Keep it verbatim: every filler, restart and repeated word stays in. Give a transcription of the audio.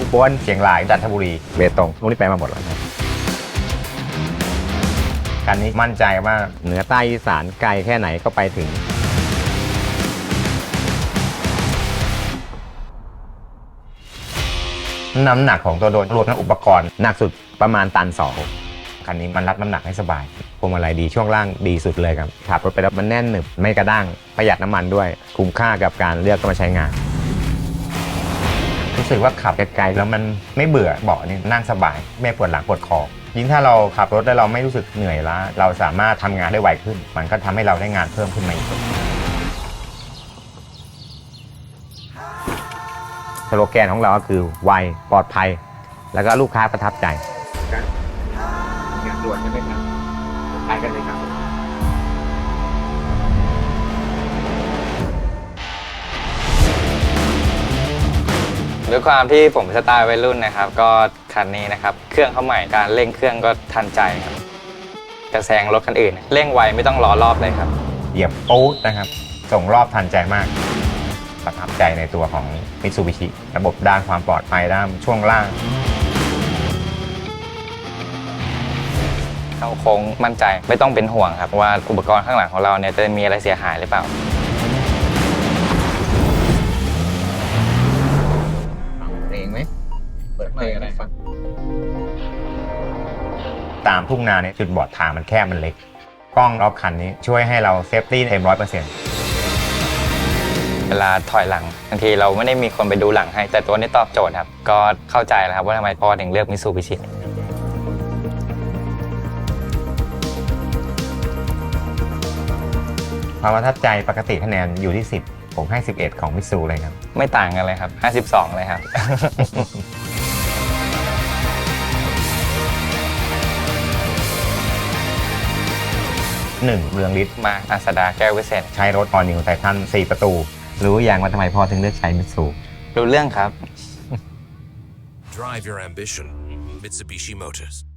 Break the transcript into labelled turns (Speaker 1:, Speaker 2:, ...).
Speaker 1: ปวนเชียงรายจันทบุรีเบตงพวกนี้ไปมาหมดแล้วนะคันนี้มั่นใจว่าเหนือใต้อีสานไกลแค่ไหนก็ไปถึงน้ำหนักของตัวโดนรวมทั้งอุปกรณ์หนักสุดประมาณตันสองคันนี้มันรับน้ำหนักให้สบายพวงมาลัยดีช่วงล่างดีสุดเลยครับขับรถไปแล้วมันแน่นหนึบไม่กระด้างประหยัดน้ำมันด้วยคุ้มค่ากับการเลือกมาใช้งานรู้สึกว่าขับไกลๆแล้วมันไม่เบื่อเบาะนี่นั่งสบายไม่ปวดหลังปวดคอยิ่งถ้าเราขับรถแล้วเราไม่รู้สึกเหนื่อยล้าเราสามารถทำงานได้ไวขึ้นมันก็ทำให้เราได้งานเพิ่มขึ้นมาอีกสโลแกนของเราก็คือไวปลอดภัยแล้วก็ลูกค้าประทับใจงานด่วนใช่ไหมครับไปกันเลยครับ
Speaker 2: ด้วยความที่ผมสไตล์วัยรุ่นนะครับก็คันนี้นะครับเครื่องเขาใหม่การเร่งเครื่องก็ทันใจครับจะแซงรถคันอื่นเร่งไวไม่ต้องรอรอบเลยครับ
Speaker 1: เหยียบปู๊ดนะครับส่งรอบทันใจมากประทับใจในตัวของ Mitsubishi ระบบด้านความปลอดภัยด้านช่วงล่าง
Speaker 2: เข้าโค้งมั่นใจไม่ต้องเป็นห่วงครับว่าอุปกรณ์ข้างหลังของเราเนี่ยจะมีอะไรเสียหายหรือเปล่า
Speaker 1: เพลงไหมเปิดเพลงอะไรฟังตามทุ่งนาเนี่ยจุดบอดทางมันแคบมันเล็กกล้องรอบคันนี้ช่วยให้เราเซฟตี้เต็มร้อยเปอร์เซ็นต์
Speaker 2: เวลาถอยหลังบางทีเราไม่ได้มีคนไปดูหลังให้แต่ตัวนี้ตอบโจทย์ครับก็เข้าใจแล้วครับว่าทำไมพ่อถึงเลือกมิตซูบิชิ
Speaker 1: ความประทับใจปกติคะแนนอยู่ที่สิบผมให้สิบเอ็ดของมิตซูเลยครับ
Speaker 2: ไม่ต่างกันเลยครับห้าสิบสองเลยครับ
Speaker 1: หนึ่งเรืองฤทธิ์
Speaker 2: มาอาสดาแก้ววิเศษ
Speaker 1: ใช้รถออนิวไททันสี่ประตูรู้อย่างว่าทำไมพ่อถึงเลือกใช้มิตซู
Speaker 2: รู้เรื่องครับ
Speaker 3: Drive your ambition. Mitsubishi Motors.